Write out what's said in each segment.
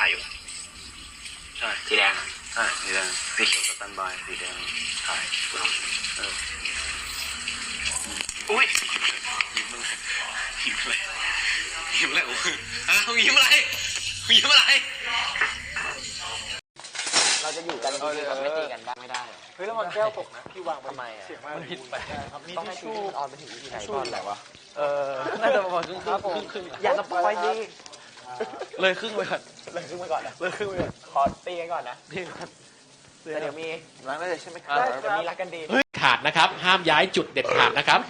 อยู่ใช่สีแดงใช่สีแดงสีเขียวสแตนบายสีแดงถ่ายอุ้ยยิ้มอะไรยิ้มอะไรยิ้มอะไรโอ้ยยิ้มอะไรยิ้มอะไรเราจะอยู่กันดีๆแบบไม่ตีกันได้ไม่ได้เฮ้ยแล้วมันแก้วตกนะพี่วางไปทำไมอ่ะเสียงมันผิดไปต้องให้ชูออนไปถึงที่ไหนก่อนแหละวะน่าจะประมาณครึ่งอย่าสปอยดีเลยครึ่งไปก่อนเลยครึ่งไปก่อนนะเลยครึ่งไปก่อนขอตีกันก่อนนะนี่ครับแต่เดี๋ยวมีล้างได้เลยใช่ไหมครับเดี๋ยวมีรักกันดีขาดนะครับ ห้ามย้ายจุดเด็ดขาดนะครับ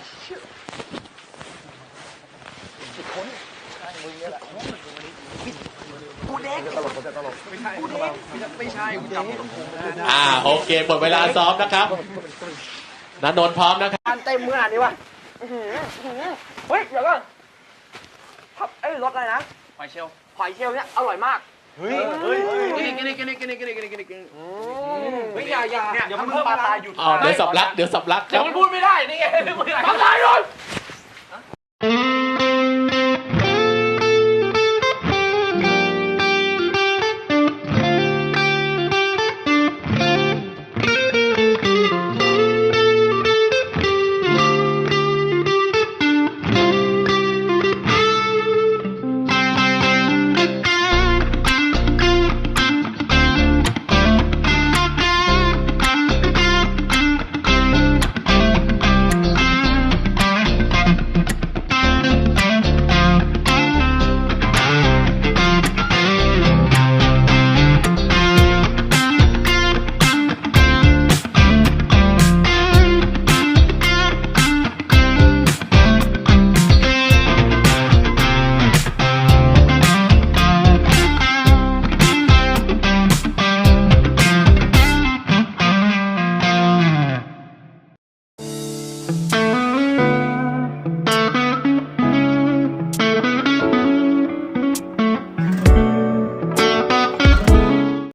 โอเคหมดเวลาซ้อมนะครับณนนท์พร้อมนะครับการเต็มขนาดนี้วะเฮ้ยเดี๋ยวก่อนรสอะไรนะหอยเชลล์เนี่ยอร่อยมากเฮ้ยกินอย่าเดี๋ยวมันเพิ่มปลาตายหยุดเดี๋ยวสับลักเดี๋ยวมันพูดไม่ได้นี่ไงทำลายเลย